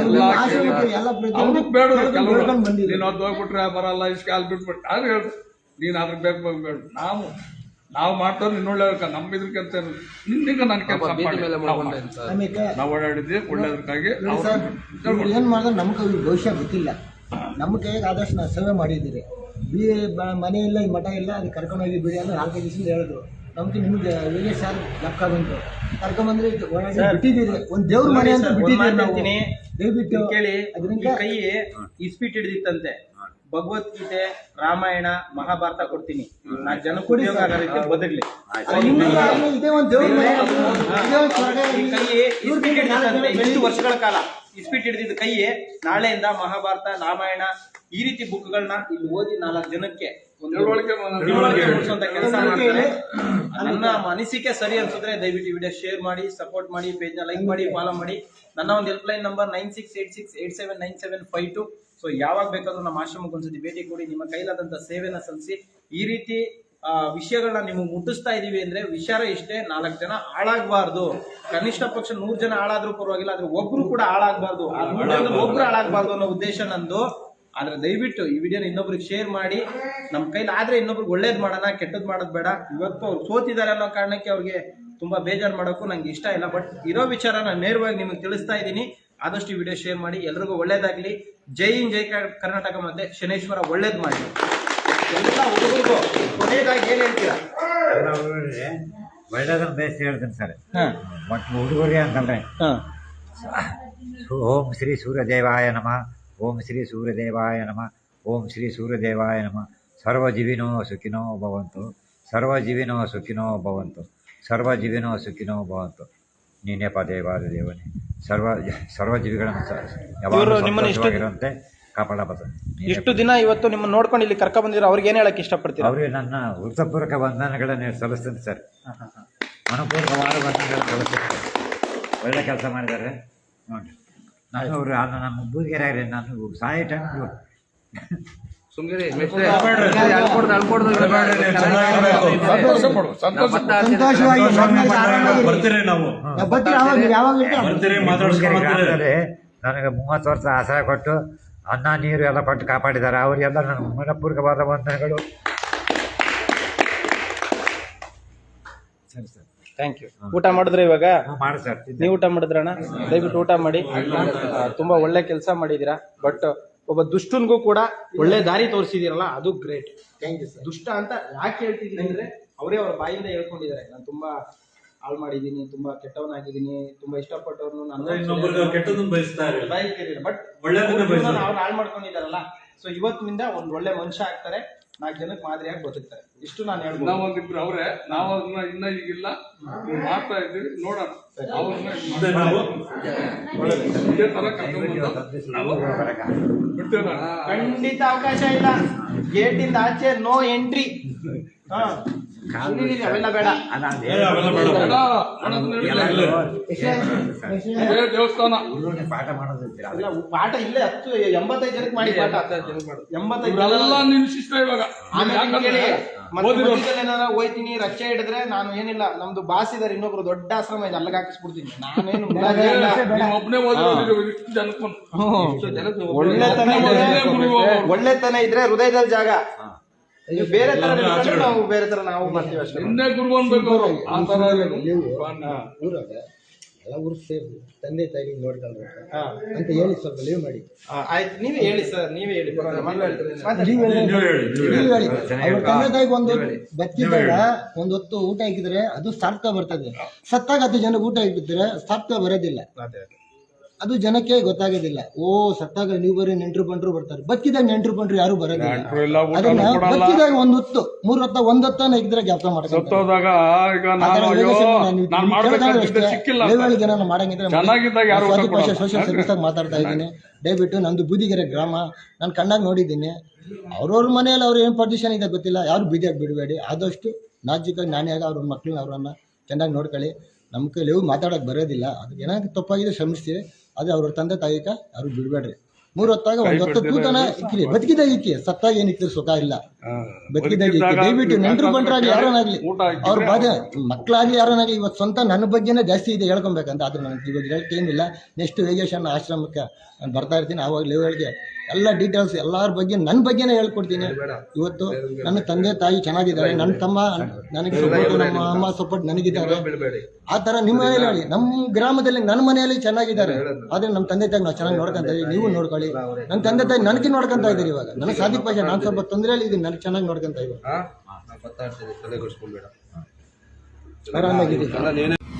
[SPEAKER 3] ಬೇಡ. ನೀನು ಅದು ಹೋಗ್ಬಿಟ್ರೆ ಬರಲ್ಲ, ಇಷ್ಟು ಕಾಲ್ ಬಿಟ್ಬಿಟ್ಟು ಅದು ಹೇಳು. ನೀನು ಅದ್ರ ಬೇಕು ಬೇಡ. ನಾವು ಮಾಡ್ತಾರೆ ನಿನ್ನ ಒಳ್ಳೆ ನಮ್ಮ ಇದ್ರಕ್ಕಂತ ನಿನ್ನಿಂದ ನಾನು ಕೆಲಸ ನಾವು ಓಡಾಡಿದ್ವಿ ಒಳ್ಳೇದಕ್ಕಾಗಿ.
[SPEAKER 4] ಏನ್ ಮಾಡಿದ್ರೆ ನಮ್ಗೆ ಭವಿಷ್ಯ ಗೊತ್ತಿಲ್ಲ. ನಮ್ಮ ಕೈಗೆ ಆದಷ್ಟು ನಾವು ಸೇವೆ ಮಾಡಿದ್ದೀರಿ. ಮನೆ ಇಲ್ಲ, ಈ ಮಠ ಇಲ್ಲ, ಅದು ಕರ್ಕೊಂಡೋಗಿ ಬಿಡಿ ಅಂದ್ರೆ 4 ದಿವಸದಿಂದ ಹೇಳಿದ್ರು. ನಮ್ಗೆ ನಿಮ್ಗೆ ಯೋಗೇಶ್ ಸರ್ ಲಕ್ಕ ಬಂತು, ಕರ್ಕೊಂಡ್ಬಂದ್ರೆ ಬಿಟ್ಟಿದ್ದೀರಿ. ಒಂದು ದೇವ್ರ ಮನೆ ಅಂತ ಬಿಟ್ಟಿದ್ದೀರಿ. ದಯವಿಟ್ಟು
[SPEAKER 1] ಕೇಳಿ, ಅದರಿಂದ ಕೈ ಇಸ್ಪೀಟ್ ಹಿಡಿದಿತ್ತಂತೆ. ಭಗವದ್ಗೀತೆ, ರಾಮಾಯಣ, ಮಹಾಭಾರತ ಕೊಡ್ತೀನಿ. 4 ಜನಕ್ಕೆ ಉದ್ಯೋಗ ಆಗೋ ರೀತಿ ಬದುಕ್ಲಿ.
[SPEAKER 4] ಇದೇ ಒಂದು ದೇವ್ರ ಮನೆ, ಇದೇ ಒಂದು ಸ್ವರ್ಗ.
[SPEAKER 1] ಈ ಕೈ ಇಸ್ಪೀಟ್ ಹಿಡಿದಿದ್ದಂತೆ ಇಷ್ಟು ವರ್ಷಗಳ ಕಾಲ ಇಸ್ಪೀಟ್ ಹಿಡಿದಿದ್ದ ಕೈ ನಾಳೆಯಿಂದ ಮಹಾಭಾರತ, ರಾಮಾಯಣ ಈ ರೀತಿ ಬುಕ್ಗಳನ್ನ ಇಲ್ಲಿ ಓದಿ 4 ಜನಕ್ಕೆ ತಿಳುವಳಿಕೆ ಮೂಡಿಸುವಂತ ಕೆಲಸ ಮಾಡ್ತಾರೆ. ನನ್ನ ಅನಿಸಿಕೆ ಸರಿ ಅನ್ಸಿದ್ರೆ ದಯವಿಟ್ಟು ವಿಡಿಯೋ ಶೇರ್ ಮಾಡಿ, ಸಪೋರ್ಟ್ ಮಾಡಿ, ಪೇಜ್ ನ ಲೈಕ್ ಮಾಡಿ, ಫಾಲೋ ಮಾಡಿ. ನನ್ನ ಒಂದು ಹೆಲ್ಪ್ಲೈನ್ ನಂಬರ್ 9686879752. ಸೊ ಯಾವಾಗ ಬೇಕಾದ್ರೂ ನಮ್ಮ ಆಶ್ರಮಕ್ಕೆ ಒಂದ್ಸತಿ ಭೇಟಿ ಕೊಡಿ. ನಿಮ್ಮ ಕೈಲಾದಂತ ಸೇವೆನ ಸಲ್ಲಿಸಿ. ಈ ರೀತಿ ವಿಷಯಗಳನ್ನ ನಿಮಗೆ ಮುಟ್ಟಿಸ್ತಾ ಇದೀವಿ ಅಂದ್ರೆ ವಿಚಾರ ಇಷ್ಟೇ, 4 ಜನ ಹಾಳಾಗಬಾರ್ದು. ಕನಿಷ್ಠ ಪಕ್ಷ 100 ಜನ ಹಾಳಾದ್ರೂ ಪರವಾಗಿಲ್ಲ, ಆದ್ರೆ ಒಬ್ರು ಕೂಡ ಹಾಳಾಗಬಾರ್ದು. ಒಬ್ರು ಹಾಳಾಗಬಾರ್ದು ಅನ್ನೋ ಉದ್ದೇಶ ನಂದು. ಆದ್ರೆ ದಯವಿಟ್ಟು ಈ ವಿಡಿಯೋನ ಇನ್ನೊಬ್ರಿಗೆ ಶೇರ್ ಮಾಡಿ. ನಮ್ಮ ಕೈಲಿ ಆದ್ರೆ ಇನ್ನೊಬ್ರಿಗೆ ಒಳ್ಳೇದ್ ಮಾಡೋಣ, ಕೆಟ್ಟದ್ ಮಾಡೋದ್ ಬೇಡ. ಇವತ್ತು ಅವ್ರು ಸೋತಿದ್ದಾರೆ ಅನ್ನೋ ಕಾರಣಕ್ಕೆ ಅವ್ರಿಗೆ ತುಂಬಾ ಬೇಜಾರು ಮಾಡೋಕ್ಕೂ ನಂಗೆ ಇಷ್ಟ ಇಲ್ಲ. ಬಟ್ ಇರೋ ವಿಚಾರ ನಾನು ನೇರವಾಗಿ ನಿಮಗೆ ತಿಳಿಸ್ತಾ ಇದ್ದೀನಿ. ಆದಷ್ಟು ಈ ವಿಡಿಯೋ ಶೇರ್ ಮಾಡಿ. ಎಲ್ರಿಗೂ ಒಳ್ಳೇದಾಗ್ಲಿ. ಜೈ ಹಿಂದ್, ಜೈ ಕರ್ನಾಟಕ. ಮತ್ತೆ ಶನೇಶ್ವರ ಒಳ್ಳೇದ್ ಮಾಡಿ ಎಲ್ಲ ಹುಡುಗರಿಗೂ. ಕೊನೆಯದಾಗಿ ಏನ್ ಹೇಳ್ತೀರಾ?
[SPEAKER 2] ಒಳ್ಳೇದನ್ನ ಬೇಯಿಸಿ ಹೇಳ್ತೀನಿ ಸರ್. ಮತ್ತು ಹುಡುಗರಿಗೆ ಅಂತಂದ್ರೆ ಓಂ ಶ್ರೀ ಸೂರ್ಯದೇವಾಯ ನಮಃ, ಓಂ ಶ್ರೀ ಸೂರ್ಯದೇವಾಯ ನಮಃ, ಓಂ ಶ್ರೀ ಸೂರ್ಯದೇವಾಯ ನಮಃ. ಸರ್ವಜೀವಿನೋ ಸುಖಿನೋ ಭವಂತು, ಸರ್ವಜೀವಿನೋ ಸುಖಿನೋ ಭವಂತು, ಸರ್ವಜೀವಿನೋ ಸುಖಿನೋ ಭವಂತು. ನೀನೇ ದೇವಾದ ದೇವನೇ. ಸರ್ವಜೀವಿಗಳನ್ನು ಯಾವಾಗಲೂ ಕಾಪಾಡಬಾರ್ದು.
[SPEAKER 1] ಇಷ್ಟು ದಿನ ಇವತ್ತು ನಿಮ್ಮನ್ನ ನೋಡ್ಕೊಂಡು ಇಲ್ಲಿ ಕರ್ಕ ಬಂದಿರೋ ಅವ್ರಿಗೆ ಏನ್ ಹೇಳಕ್ ಇಷ್ಟಪಡ್ತೀರಾ?
[SPEAKER 2] ಅವರಿಗೆ ನನ್ನ ಹೃತಪೂರ್ವಕ ವಂದನೆಗಳನ್ನು ಸಲ್ಲಿಸ್ತೀನಿ ಸರ್. ಮನಪೂರ್ವಕವಾದ ವಂದನೆಗಳನ್ನು ಸಲ್ಲಿಸ್ತೀನಿ. ಒಳ್ಳೆ ಕೆಲಸ ಮಾಡಿದ್ದಾರೆ ನೋಡಿ. ನಾನು ಅವರು ನಮ್ಮ ಬೂದಿಗೆರೆ ನಾನು ಸಾಯಿ ಟೈಮ್ ನನಗೆ 30 ವರ್ಷ ಆಸರೆ ಕೊಟ್ಟು ಅನ್ನ ನೀರು ಎಲ್ಲ ಕೊಟ್ಟು ಕಾಪಾಡಿದ್ದಾರೆ. ಅವರಿಗೆಲ್ಲ ನನ್ನ ಮನಪೂರ್ವಕವಾದ ವಂದನೆಗಳು. ಸರಿ ಸರ್,
[SPEAKER 1] ಥ್ಯಾಂಕ್ ಯು. ಊಟ ಮಾಡಿದ್ರೆ ಇವಾಗ
[SPEAKER 2] ಮಾಡಿ ಸರ್.
[SPEAKER 1] ನೀವು ಊಟ ಮಾಡಿದ್ರಣ್ಣ? ದಯವಿಟ್ಟು ಊಟ ಮಾಡಿ. ತುಂಬಾ ಒಳ್ಳೆ ಕೆಲಸ ಮಾಡಿದೀರಾ. ಬಟ್ ಒಬ್ಬ ದುಷ್ಟನ್ಗೂ ಕೂಡ ಒಳ್ಳೆ ದಾರಿ ತೋರಿಸಿದಿರಲ್ಲ, ಅದು ಗ್ರೇಟ್. Thank you sir. ದುಷ್ಟ ಅಂತ ಯಾಕೆ ಹೇಳ್ತಿದ್ದೀನಿ ಅಂದ್ರೆ ಅವರೇ ಅವ್ರ ಬಾಯಿಂದ ಹೇಳ್ಕೊಂಡಿದ್ದಾರೆ, ನಾನು ತುಂಬಾ ಹಾಳು ಮಾಡಿದ್ದೀನಿ, ತುಂಬಾ ಕೆಟ್ಟವನಾಗಿದ್ದೀನಿ, ತುಂಬಾ ಇಷ್ಟಪಟ್ಟವ್ರನ್ನು ನಾನು ಬಟ್ ಅವ್ರು ಹಾಳು ಮಾಡ್ಕೊಂಡಿದ್ದಾರಲ್ಲ. ಸೊ ಇವತ್ತಿನಿಂದ ಒಂದ್ ಒಳ್ಳೆ ಮನುಷ್ಯ ಆಗ್ತಾರೆ, 4 ಜನಕ್ಕೆ ಮಾದರಿಯಾಗಿ ಬದುಕ್ತಾರೆ. ಇಷ್ಟು ನಾನು ಹೇಳ್ಬೋದು.
[SPEAKER 3] ನಾವೊಂದಿಬ್ರು ಅವ್ರೆ, ನಾವು ಅದನ್ನ ಇನ್ನ ಈಗಿಲ್ಲ ಮಾಡ್ತಾ ಇದ್ದೀವಿ, ನೋಡೋಣ. ಅವ್ರನ್ನ ಇದೇ ತರ
[SPEAKER 1] ಖಂಡಿತ ಅವಕಾಶ ಇಲ್ಲ. ಗೇಟ್ ಇಂದ ಆಚೆ ನೋ ಎಂಟ್ರಿ. ಅವೆಲ್ಲ ಬೇಡ.
[SPEAKER 3] ದೇವಸ್ಥಾನ
[SPEAKER 2] ಪಾಠ ಮಾಡೋದು
[SPEAKER 1] ಪಾಠ ಇಲ್ಲೇ 85 ಜನಕ್ಕೆ ಮಾಡಿ ಪಾಠ. 85
[SPEAKER 3] ಎಲ್ಲ ನಿನ್ ಶಿಷ್ಟ ಇವಾಗ.
[SPEAKER 1] ಏನಾರ ಹೋಯ್ತೀನಿ, ರಕ್ಷೆ ಹಿಡಿದ್ರೆ ನಾನು ಏನಿಲ್ಲ, ನಮ್ದು ಬಾಸ್ ಇದಾರೆ ಇನ್ನೊಬ್ರು ದೊಡ್ಡ ಆಶ್ರಮ ಇದೆ, ಅಲ್ಲಿಗೆ ಹಾಕಿಸ್ಬಿಡ್ತೀನಿ. ನಾನೇನು
[SPEAKER 3] ಒಬ್ಬನೇ
[SPEAKER 1] ಒಳ್ಳೆತನ ಇದ್ರೆ ಹೃದಯದಲ್ಲಿ ಜಾಗ. ಬೇರೆ ತರ ನಾವು ಬೇರೆ ತರ ನಾವು ಬರ್ತೀವಿ ಅಷ್ಟೇ.
[SPEAKER 3] ಇನ್ನೇ ಗುರು ಅನ್ಬೇಕು ಅವರು. ಆ ತರ
[SPEAKER 4] ಊರಾಗ ಎಲ್ಲ ಊರು ಸೇರಿ ತಂದೆ ತಾಯಿ ನೋಡ್ಕೊಂಡ್ರೆ ಅಂತ ಹೇಳಿ ಸ್ವಲ್ಪ ಲೀವ್ ಮಾಡಿ.
[SPEAKER 1] ಆಯ್ತು, ನೀವೇ ಹೇಳಿ ಸರ್, ನೀವೇ ಹೇಳಿ.
[SPEAKER 4] ಅವ್ರ ತಂದೆ ತಾಯಿಗೆ ಒಂದು ಬದುಕಿದ್ದಾಗ ಒಂದ್ ಹೊತ್ತು ಊಟ ಹಾಕಿದ್ರೆ ಅದು ಸಾರ್ಥಕ ಬರ್ತದೆ. ಸತ್ತಾಗ 10 ಜನಕ್ಕೆ ಊಟ ಹಾಕಿದ್ರೆ ಸಾರ್ಥಕ ಬರೋದಿಲ್ಲ. ಅದು ಜನಕ್ಕೆ ಗೊತ್ತಾಗೋದಿಲ್ಲ. ಓ ಸತ್ತಾಗ ನೀವು ಬರೀ ನೆಂಟ್ರು ಬಂಟ್ರು ಬರ್ತಾರೆ, ಬದುಕಿದಾಗ ನೆಂಟ್ರು ಬಂಟ್ರು ಯಾರು ಬರೋದಿಲ್ಲ. ಅದನ್ನ ಬದುಕಿದಾಗ ಒಂದ್ ಹೊತ್ತು 3 ಹೊತ್ತ 1 ಹೊತ್ತನ ಇದ್ರೆ ಜ್ಞಾಪಕ ಮಾಡ್ತಾರೆ. ಸೋಷಿಯಲ್ ಸರ್ವಿಸ್ ಆಗಿ ಮಾತಾಡ್ತಾ ಇದ್ದೀನಿ. ದಯವಿಟ್ಟು ನಂದು ಬೂದಿಗೆರೆ ಗ್ರಾಮ, ನಾನು ಕಣ್ಣಾಗಿ ನೋಡಿದ್ದೀನಿ. ಅವ್ರವ್ರ ಮನೆಯಲ್ಲಿ ಅವ್ರು ಏನ್ ಪೊಸಿಷನ್ ಇದೆ ಗೊತ್ತಿಲ್ಲ, ಯಾರು ಬೀದಿಯಾಗಿ ಬಿಡಬೇಡಿ. ಆದಷ್ಟು ನಾಜಿಕಾಗಿ ನಾಣ್ಯಾಗ ಅವ್ರ ಮಕ್ಳನ್ನ ಅವ್ರನ್ನ ಚೆನ್ನಾಗಿ ನೋಡ್ಕೊಳ್ಳಿ. ನಮ್ಮ ಕೈಲಿ ಮಾತಾಡೋಕೆ ಬರೋದಿಲ್ಲ, ಅದಕ್ಕೆ ಏನಾದ್ರು ತಪ್ಪಾಗಿದೆ ಶ್ರಮಿಸ್ತೀವಿ. ಅದೇ ಅವ್ರ ತಂದೆ ತಾಯಿಕ ಯಾರು ಬಿಡಬೇಡ್ರಿ. 3 ಹೊತ್ತಾಗ 1 ಹೊತ್ತು ತೂತನ ಇಕ್ಕಿ, ಬದುಕಿದಾಗ ಇಕ್ಕಿ, ಸತ್ತಾಗ ಏನಿಕ್ಕಿದ್ರೆ ಸುಖ ಇಲ್ಲ. ಬದುಕಿದಾಗ ಇಕ್ಕಿ. ದಯವಿಟ್ಟು ನೆಂಟ್ರು ಬಂಟ್ರಾಗ್ಲಿ ಯಾರನ್ನಾಗ್ಲಿ, ಅವ್ರ ಬಾಧೆ ಮಕ್ಕಳಾಗ್ಲಿ ಯಾರನ್ನಾಗ್ಲಿ, ಇವತ್ತು ಸ್ವಂತ ನನ್ನ ಬಗ್ಗೆನೇ ಜಾಸ್ತಿ ಇದೆ ಹೇಳ್ಕೊಬೇಕಂತ. ಆದ್ರೆ ನನಗೆ ಇವಾಗ ಹೇಳಕ್ಕೆ ಏನಿಲ್ಲ. ನೆಕ್ಸ್ಟ್ ವೇಗೇಶನ್ ಆಶ್ರಮಕ್ಕೆ ನಾನು ಬರ್ತಾ ಇರ್ತೀನಿ. ಆವಾಗ ಲೆವೆಲ್ಗೆ ಎಲ್ಲ ಡೀಟೇಲ್ಸ್ ಎಲ್ಲರ ಬಗ್ಗೆ ನನ್ನ ಬಗ್ಗೆನೇ ಹೇಳ್ಕೊಡ್ತೀನಿ. ಇವತ್ತು ನನ್ನ ತಂದೆ ತಾಯಿ ಚೆನ್ನಾಗಿದ್ದಾರೆ, ನನ್ನ ತಮ್ಮ ನನಗೆ ಸಪೋರ್ಟ್, ನಮ್ಮ ಅಮ್ಮ ಸಪೋರ್ಟ್ ನನಗಿದ್ದಾರೆ. ಆ ಥರ ನಿಮ್ಮ ಮನೆಯಲ್ಲಿ ಹೇಳಿ, ನಮ್ಮ ಗ್ರಾಮದಲ್ಲಿ ನನ್ನ ಮನೆಯಲ್ಲಿ ಚೆನ್ನಾಗಿದ್ದಾರೆ. ಆದರೆ ನಮ್ಮ ತಂದೆ ತಾಯಿ ನಾವು ಚೆನ್ನಾಗಿ ನೋಡ್ಕೊಂತ ಇದ್ದೀವಿ, ನೀವು ನೋಡ್ಕೊಳ್ಳಿ. ನನ್ನ ತಂದೆ ತಾಯಿ ನನಗೆ ನೋಡ್ಕೊಂತ ಇದ್ದೀರಿ. ಇವಾಗ ನನಗೆ ಸಾಧಿಕ ಭಾಷೆ, ನಾನು ಸ್ವಲ್ಪ ತೊಂದರೆಯಲ್ಲಿ ಇದ್ದೀನಿ, ನನಗೆ ಚೆನ್ನಾಗಿ ನೋಡ್ಕೊಂತ ಇದ್ದೀನಿ. ಆರಾಮಾಗಿದ್ದೀನಿ.